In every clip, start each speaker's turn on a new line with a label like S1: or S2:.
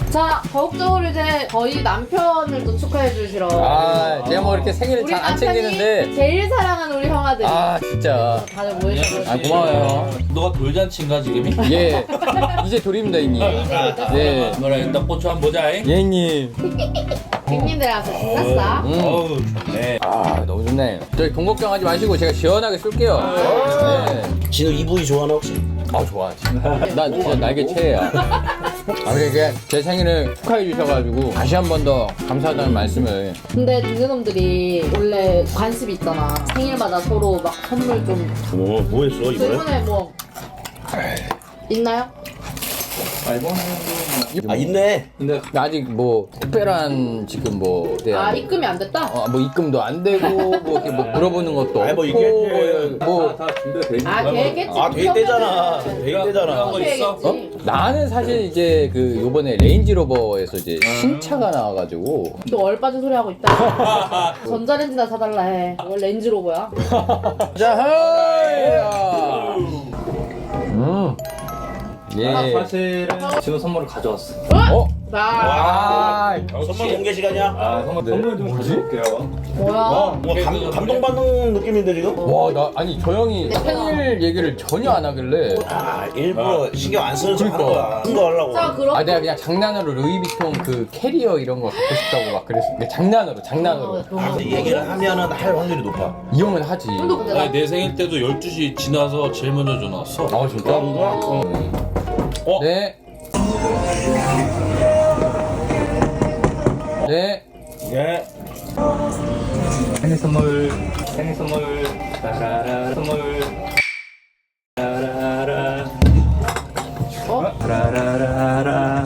S1: 자, 더욱적으로 이제 저희 남편을 또 축하해 주시러.
S2: 제가 뭐 이렇게 생일을
S1: 우리
S2: 잘 안
S1: 남편이
S2: 챙기는데.
S1: 제일 사랑하는 우리 형아들이.
S2: 진짜.
S1: 다들 모여주셔서.
S2: 고마워요.
S3: 너가 돌잔치인가 지금이?
S2: 예. 이제 돌입니다, 형님. 네.
S3: 뭐라 일단 고추 한번 보자.
S2: 예, 형님.
S1: 빅님들 와서 신났어.
S3: 어우 좋네.
S2: 너무 좋네. 저희 돈 걱정하지 마시고 제가 시원하게 쏠게요. 네.
S4: 진우 이분이 좋아하나 혹시?
S2: 좋아. 난 진짜 날개 최애야. 그러니까 제 생일을 축하해 주셔가지고 다시 한 번 더 감사하다는 말씀을.
S1: 근데 닉네놈들이 원래 관습이 있잖아. 생일마다 서로 막 선물 좀.
S4: 뭐 했어
S1: 저
S4: 이번에?
S1: 이번에 뭐 있나요?
S4: 있네.
S2: 근데 아직 뭐 특별한 지금 뭐 대한
S1: 입금이 안 됐다?
S2: 뭐 입금도 안 되고 뭐 이렇게 뭐 물어보는 것도
S4: 아니, 뭐
S2: 없고
S4: 이게
S2: 뭐
S5: 다 준비가 돼 있는
S1: 되겠지.
S4: 돼 있대잖아. 돼 있대잖아.
S3: 거 있어?
S2: 나는 사실 이제 그 요번에 레인지로버에서 이제 신차가 나와가지고
S1: 또 얼빠진 소리 하고 있다. 전자레인지나 사달라 해. 원 렌즈로버야.
S2: 자, 예.
S5: 사실은 진호 선물을 가져왔어.
S1: 나
S4: 선물 공개 시간이야?
S5: 선물 좀 가져올게요.
S1: 뭐야?
S4: 뭐 감동받는 느낌인데 지금?
S2: 와, 나 아니 저 형이 생일 얘기를 전혀 안 하길래
S4: 일부러 신경 안 쓰는 척 하는 거야. 쓴 거 하려고.
S1: 자 그럼
S2: 내가 그냥 장난으로 루이비통 그 캐리어 이런 거 갖고 싶다고 막 그랬어. 근데 장난으로.
S4: 근데 얘기를 하면은 할 확률이 높아.
S2: 이 형은 하지.
S3: 아니 내 생일 때도 12시 지나서 제일 먼저 전화 왔어.
S2: 진짜? 네. 네.
S4: 예.
S5: 생일 선물, 라라라, 선물. 라라라. 라라라라.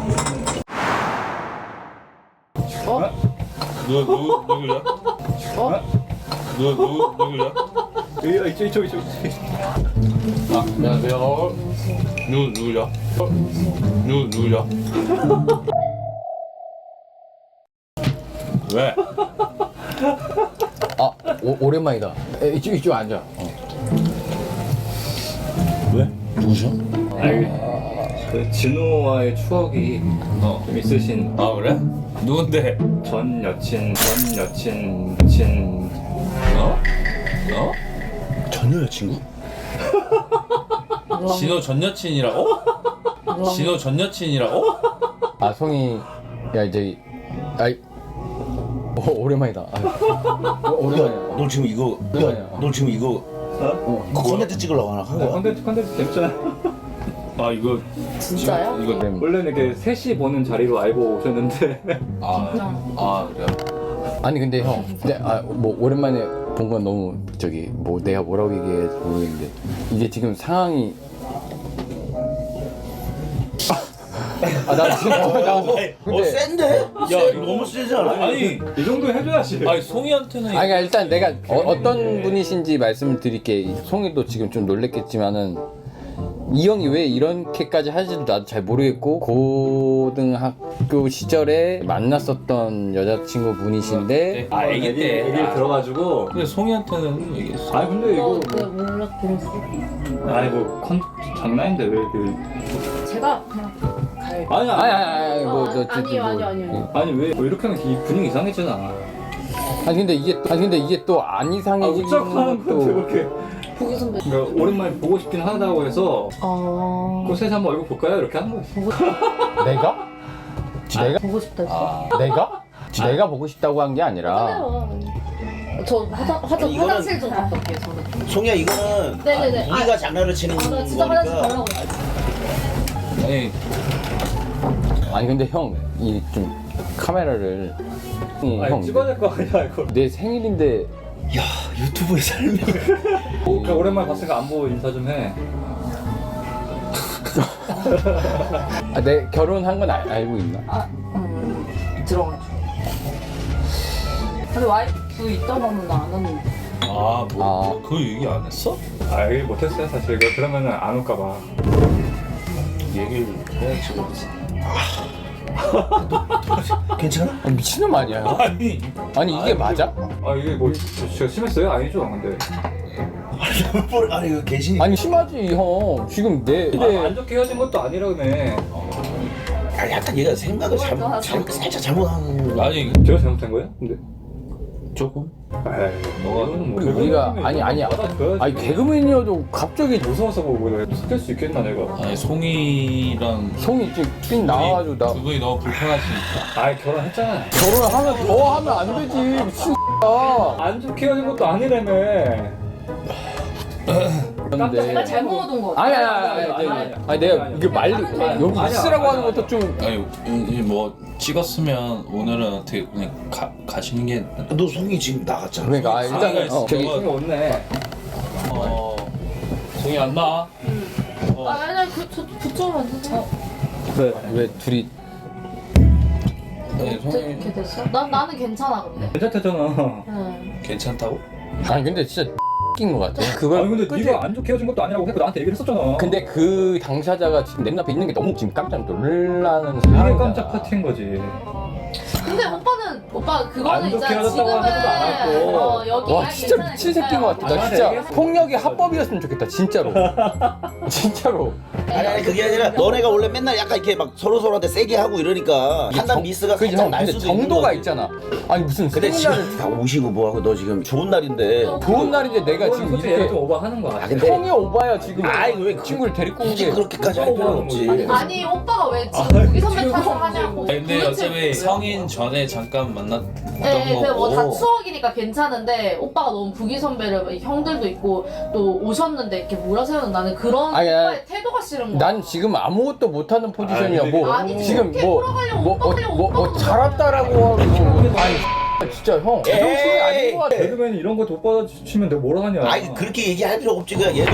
S3: 누구야? 누구야?
S5: 이쪽.
S2: 안녕하세요.
S3: 누구야? 누구야? 왜?
S2: 오랜만이다. 이쪽 앉아.
S4: 왜? 누구셔?
S5: 그 진호와의 추억이 좀 있으신
S3: 그래? 누군데?
S5: 전 여친.
S4: 전 여자친구?
S3: 진호 전 여친이라고? 진호 전 여친이라고?
S2: 송이, 야, 이제, 오랜만이다. 오랜만이야.
S4: 너 지금 이거 너 지금 이거 그 콘텐츠 찍으려고 하나 한 거야?
S5: 컨텐츠 재밌잖아.
S3: 이거
S1: 진짜요?
S3: 이거
S5: 원래는 이렇게 셋이 보는 자리로 알고 오셨는데
S3: 그래.
S2: 아니, 근데 형, 뭐, 오랜만에 본 건 너무, 뭐, 내가 뭐라고 얘기해야 모르겠는데, 이게 지금 상황이. 나 지금 근데
S4: 센데? 야 이거 너무 세지 않아?
S3: 아니
S5: 이 정도 해줘야지.
S3: 송이한테는
S2: 그러니까 일단 내가 어떤 분이신지 말씀을 드릴게. 송이도 지금 좀 놀랬겠지만은 이 형이 왜 이렇게까지 하는지도 나도 잘 모르겠고, 고등학교 시절에 만났었던 여자친구 분이신데
S3: 애기 때
S5: 얘기를 들어가지고.
S3: 근데 송이한테는 얘기했어.
S5: 아니 근데 이거
S1: 몰라 들었어.
S5: 아니 뭐 장난인데 왜 그.
S1: 제가 그냥 갈.
S5: 아니
S1: 아니요.
S5: 아니 왜 이렇게 하면 이 분위기 이상해지잖아.
S2: 아니 근데 이게 또 안 이상해지는
S5: 웃적하는 건데
S2: 것도
S5: 이렇게.
S1: 보기 선배.
S5: 그러니까 오랜만에 보고 싶긴 하다고 해서 그 셋이 한번 얼굴 볼까요? 이렇게 하는 거였어.
S2: 내가?
S1: 보고 싶다 했어.
S2: 내가 보고 싶다고 한 게 아니라
S1: 저 화장실 좀 갔다 올게요. 저는.
S4: 송이야 이거는
S1: 네네네.
S4: 우리가 장난을 치는
S1: 나 진짜 화장실
S4: 거니까.
S1: 가려고.
S2: 아니 근데 형 이 좀 카메라를
S5: 아니 찍어야 될 거 아니야 이거.
S2: 내 생일인데
S4: 야 유튜브의 삶이.
S5: 그러니까 오랜만에 봤으니까 안보 인사 좀 해.
S2: 내 결혼한 건 알고 있나?
S1: 들어가죠. 근데 와이프 있다고 하면 나 안 하는데.
S3: 그 얘기 안 했어?
S5: 얘기 못했어요 사실. 그러면은 안 올까 봐.
S3: 얘기를 해야지.
S4: 괜찮아?
S2: 미친놈 아니야? 아니 이게 맞아?
S5: 이게 뭐 진짜 심했어요? 아니죠 근데.
S4: 아니 이거 계시니까.
S2: 아니 심하지 형. 지금
S5: 안 좋게 헤어진 것도 아니라 그네.
S4: 아, 약간 얘가 생각을 살짝 잘못하는.
S3: 아니
S5: 제가 잘못한 거예요? 근데
S3: 조금.
S2: 우리가 아니야. 아니 개그맨이어도 갑자기
S5: 무서워서 보고 내가 섞일 수 있겠나 내가.
S3: 아니 송이랑
S2: 송이 쭉 나와가지고 나
S3: 두 분이 너무 불편하시니까.
S5: 아이 결혼했잖아.
S2: 결혼하면 더 하면 안 되지 미친
S5: 안 좋게 헤어진 것도 아니라며.
S2: 근데
S1: 내가 잘못 얻은 거.
S2: 아니 내가 이게 말리 여기 있으라고 하는 것도 좀
S3: 아니 뭐 찍었으면 오늘은 어떻게 그냥 가시는 게.
S4: 너 송이 지금 나갔잖아.
S2: 그러니까 일단은 저기
S5: 송이 없네.
S3: 송이 안 나.
S1: 아니 그쪽으로 앉으세요.
S2: 왜 둘이
S1: 어떻게 됐어? 나는 괜찮아 근데.
S5: 괜찮다잖아.
S1: 응.
S3: 괜찮다고?
S2: 아니 근데 진짜 낀 것 같아
S5: 아니
S2: 그걸
S5: 근데
S2: 끄지?
S5: 네가 안 좋게 헤어진 것도 아니라고 했고 나한테 얘기를 했었잖아.
S2: 근데 그 당사자가 지금 내 눈앞에 있는 게 너무 지금 깜짝 놀라는
S5: 이게
S2: 상황이야.
S5: 깜짝 파티인 거지.
S1: 근데 오빠 그거는
S5: 안 좋게
S1: 있잖아.
S5: 하셨다고 하지도 않았고.
S1: 여기
S2: 와 진짜 미친 새끼인 것 같아 나 진짜 폭력이 합법이었으면 좋겠다 진짜로 진짜로
S4: 아니 그게 아니라 너네가 원래 맨날 약간 이렇게 막 서로한테 세게 하고 이러니까 판단 미스가
S2: 그지
S4: 살짝
S2: 형
S4: 날
S2: 근데
S4: 수도 있는
S2: 정도가
S4: 거지.
S2: 있잖아 아니 무슨
S4: 근데
S2: 세미나를
S4: 지금 다 오시고 뭐하고 너 지금 좋은 날인데
S2: 좋은 날인데 내가 지금
S5: 솔직히 얘가
S2: 이렇게
S5: 좀 오버하는 거야.
S4: 아, 근데
S2: 형이 오바야 지금
S4: 아이, 왜
S2: 친구를 데리고 온
S4: 굳이
S2: 게
S4: 그렇게까지 할 필요는 없지.
S1: 아니 오빠가 왜 지금 우기 선배 탓을 하냐고.
S3: 근데
S1: 도대체
S3: 어차피
S1: 왜?
S3: 성인 전에 잠깐 만났던
S1: 네,
S3: 거고.
S1: 뭐다 추억이니까 괜찮은데 오빠가 너무 부기 선배를 형들도 있고 또 오셨는데 이렇게 몰아세우는 나는 그런
S2: 아니,
S1: 오빠의 태도가 싫은 거야.
S2: 난 지금 아무것도 못하는 포지션이야 뭐
S1: 아니,
S2: 지금
S1: 그렇게 돌아가려고 오빠 그냥 오빠가
S2: 잘했다라고 하고 아니 진짜 형 제정신이 아닌 것 같아
S5: 개그맨이 이런 거 돋받아치면 내가 뭐라 하냐.
S4: 아니 그렇게 얘기할 필요 없지 그냥 얘도.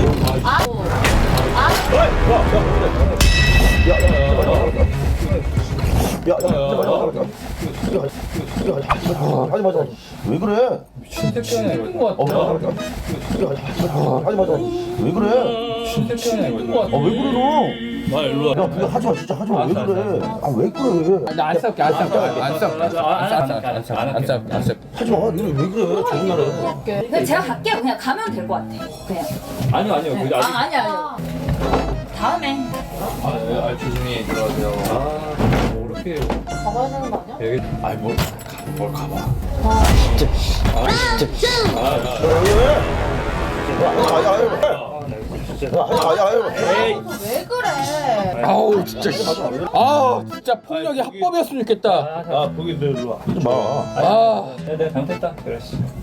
S4: 하지 마자. 왜 그래?
S5: 미친 새끼 아니야 이거.
S4: 하지 마자. 왜 그래?
S5: 미친 새끼 아니야 이거.
S4: 왜 그래 너?
S3: 나 일로 와.
S4: 야 그거 하지 마 진짜 하지 마. 왜 그래? 아 왜 그래?
S2: 나 안 싸울게 안 싸울게 안 싸울게 안 싸울게
S4: 하지 마. 왜 그래? 좋은 날에.
S6: 근데 제가 갈게요. 그냥 가면 될 것 같아. 그냥.
S5: 아니요.
S6: 네.
S5: 그 아직.
S6: 아니야. 다음에.
S3: 조심히 들어가세요.
S5: 뭐 이렇게
S1: 가봐야 되는 거 아니야?
S5: 얘기.
S3: 아니 뭘 가봐.
S1: 왜 그래?
S2: 아우 진짜 아 진짜 폭력이 합법이었으면 좋겠다
S3: 아 보기 일로 와.
S4: 하지 마.
S2: 아
S5: 내가 잘못했다. 그래.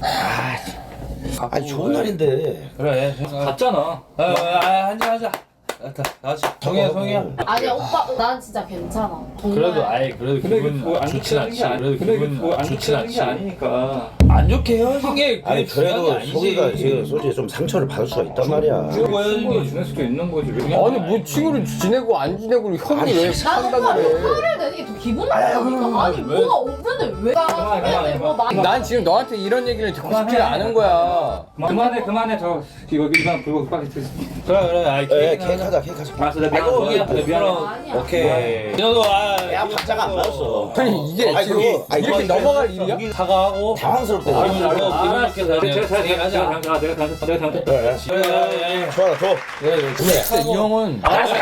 S4: 아니 좋은 날인데.
S3: 그래.
S5: 갔잖아.
S3: 한잔 하자. 다시 성이야.
S1: 아니야 오빠 난 진짜 괜찮아. 정말.
S3: 그래도
S5: 근데
S3: 기분
S5: 뭐안
S3: 좋진
S5: 좋게 하는
S3: 않지.
S5: 게 아니.
S3: 그래도
S5: 근데
S3: 기분
S5: 뭐안
S3: 좋진
S5: 좋게 하는 게
S3: 않지.
S5: 아니니까.
S3: 안 좋게 헤어진 게
S4: 아니 그래도
S3: 중요한 게
S4: 소희가
S3: 아니지.
S4: 지금 솔직히 좀 상처를 받을 수가 있단 말이야.
S5: 친구를 지낼 수도 있는 거지.
S2: 아니 뭐 친구를 지내고 안 지내고 형이 왜
S1: 난 오빠
S2: 판단을 해
S1: 화를 내는 게 더 기분 나쁘니까. 아니 뭐가 없는데 왜 화를 내고 나.
S2: 난 지금 너한테 이런 얘기를 듣고 싶지 않은 거야
S5: 그만해 저 이거 일반 불고 빨리 드세요.
S3: 그래. 아이
S4: 에 케이크 하자.
S5: 알았어 내가
S3: 아이고
S5: 미안해.
S3: 미안해.
S1: 아니야.
S3: 오케이. 너도
S4: 야 박자가 안 맞았어.
S2: 아니 이게
S4: 아니,
S2: 지금
S4: 그게-
S2: 이렇게
S4: 아니,
S2: 넘어갈 일이야?
S3: 사과하고.
S4: 당황스럽대.
S3: 기분 좋게
S5: 제가 잘못했다. 내가 잘못했다.
S4: 좋아 줘.
S2: 진짜 이 형은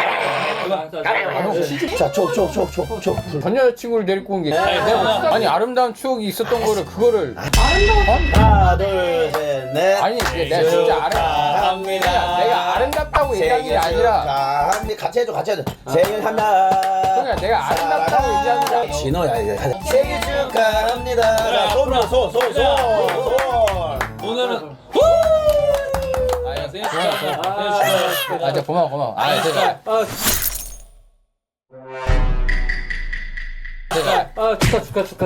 S4: 자 줘.
S2: 전 여자친구를 데리고 온 게 아니 아름다운 추억이 있었던 거를 그거를
S4: 하나 둘 셋 넷.
S2: 아니 내가 진짜
S4: 축하합니다.
S2: 내가 아름답다고 얘기한 게 아니라
S4: 축하합니다. 같이 해줘. 생일 하나.
S2: 그냥 내가 아름답다고 얘기한 게 아니라
S4: 진호야 이제 가자. 생일 축하합니다. 자, 손.
S3: 오늘은 아야 생일
S2: 아 진짜 고마워 아 진짜
S5: 축하.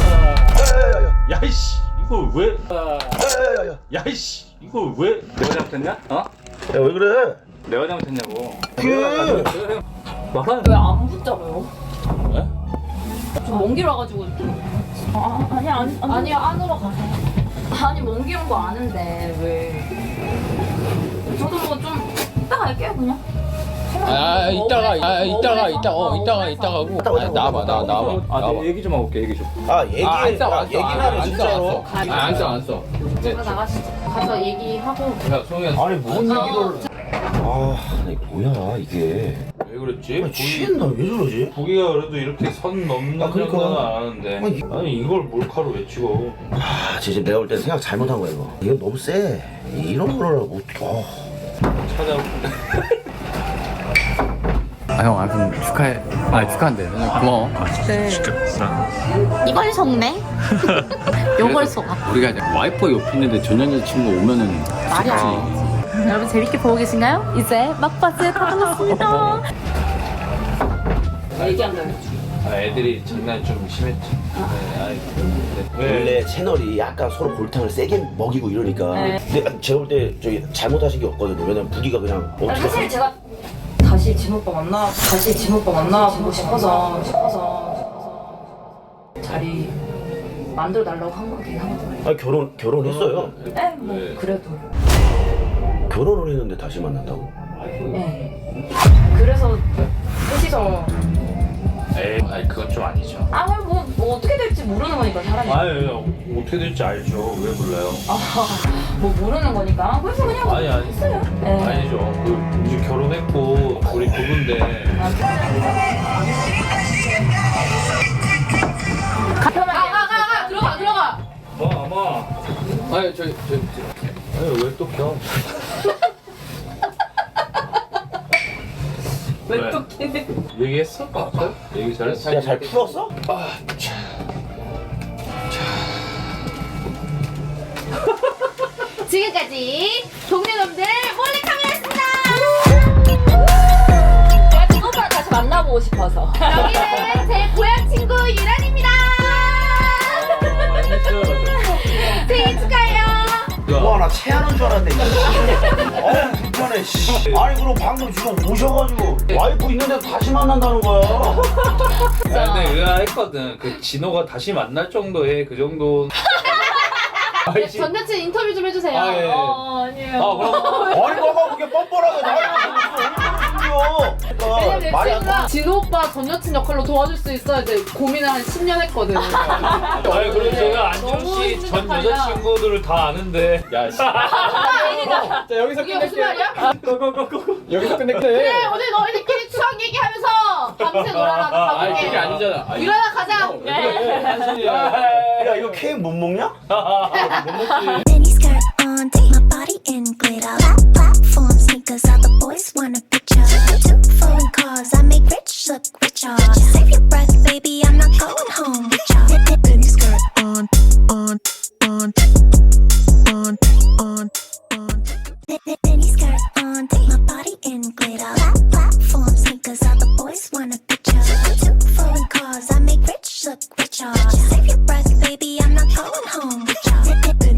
S3: 야이씨 이거 왜? 야이씨 이거 왜?
S5: 내가 잘못했냐? 어?
S4: 야 왜 그래?
S5: 내가 잘못했냐고.
S6: 왜 안 붙잡아요?
S3: 왜?
S6: 좀 먼 길 와가지고. 아니.
S1: 아니야 안으로 가세요.
S6: 아니 먼 길 온 거 아는데 왜? 저도 뭐 좀 이따 갈게요 그냥.
S2: 이따가 하고 나와봐
S5: 내 얘기 좀 하고 올게 얘기 좀.
S4: 아 얘기. 얘기만 해
S2: 안
S4: 진짜로.
S2: 써.
S1: 제가 나가시죠. 가서 얘기하고.
S3: 야 송이야.
S4: 아니 뭔 얘기를. 아 이게 뭐야 이게.
S3: 왜 그랬지?
S4: 취했나? 왜 저러지?
S3: 보기가 그래도 이렇게 선 넘는
S4: 그러니까.
S3: 정도는 안 하는데 아니 이걸 몰카로 왜 찍어?
S4: 아, 진짜 내가 볼 때 생각 잘못한 거야 이거. 이거 너무 세. 이런 거를 어떻게?
S3: 찾아볼게.
S2: 아 형 아무튼 축하해. 아 축하한대. 고마워.
S7: 이걸 속네? 요걸 속아.
S2: 우리가 이제 와이프 옆에 있는데 전 여자친구 오면은
S7: 말이 안 되지. 여러분 재밌게 보고 계신가요? 이제 막바지에 다다랐습니다.
S1: 얘기한다.
S3: 아, 애들이 장난이 좀 심했지. 네.
S4: 원래 채널이 약간 서로 골탕을 세게 먹이고 이러니까. 근데 제가 볼 때 저기 잘못하신 게 없거든요. 왜냐면 부기가 그냥 어떻게
S6: 사실 제가 다시 진오빠 만나보고 싶어서 자리 만들어 달라고 한 거긴 하거든요.
S4: 아니 결혼했어요.
S6: 네, 뭐 그래도.
S4: 결혼을 했는데 다시 만난다고?
S6: 네. 그래서 셋이서
S3: 에이, 아니 그건 좀 아니죠.
S6: 뭐 어떻게 될지 모르는 거니까 사람이.
S3: 아니 어떻게 될지 알죠. 왜 몰라요?
S6: 뭐 모르는 거니까. 그래서 그냥
S3: 아니
S6: 했어요. 네.
S3: 아니죠. 그 이제 결혼했고 우리 부부인데.
S1: 가 들어가.
S3: 아마
S2: 아니
S3: 아니 왜 또 켜? 왜 또 키네? 얘기했어? 아까? 얘기 잘했어?
S4: 야, 잘 풀었어?
S7: 지금까지 동네놈들 몰래카메라였습니다.
S6: 제가 진오빠랑 다시 만나보고 싶어서.
S7: 여기는 제 고향 친구 유란입니다. 생일 축하해요.
S4: 와, 나 체하는 줄 알았네. 불편해. 씨. 아니 그럼 방금 지금 오셔가지고 와이프 있는데 다시 만난다는 거야.
S3: 근데 의아했거든. 그 진호가 다시 만날 정도의 그 정도.
S1: 전 여친 인터뷰 좀 해주세요.
S3: 아, 예.
S6: 아니에요.
S3: 아 그럼
S4: 아니 뭐가 그렇게 뻔뻔하게 나이가
S1: 왜냐면
S4: 그러니까 말이 안
S1: 친구가 진호 오빠 전 여친 역할로 도와줄 수 있어야 이제 고민을 한 10년 했거든.
S3: 아니 그럼 제가 안준
S1: 너무
S3: 씨
S1: 힘든
S3: 전
S1: 역할이야.
S3: 여자친구들을 다 아는데. 야 씨.
S2: 자 여기서
S1: 이게 무슨 말이야?
S2: 여기서 끝낼게.
S1: 그래 오늘 너희들끼리 추억 얘기하면서 밤새 놀아라. 나
S2: 아니
S1: 가볼게.
S2: 그게 아니잖아.
S1: 일어나 가자.
S4: 야 이거 케이크 못 먹냐?
S8: Mini skirt on, take my body in glitter. Platform sneakers, all the boys want a picture. Two foreign cars, I make rich look richer. Save your breath, baby, I'm not going home with ya. Mini skirt on. Mini skirt on, take my body in glitter. Platform sneakers, all the boys want a picture. Two foreign cars, I make rich look richer. Save your breath, baby, I'm not going home with ya.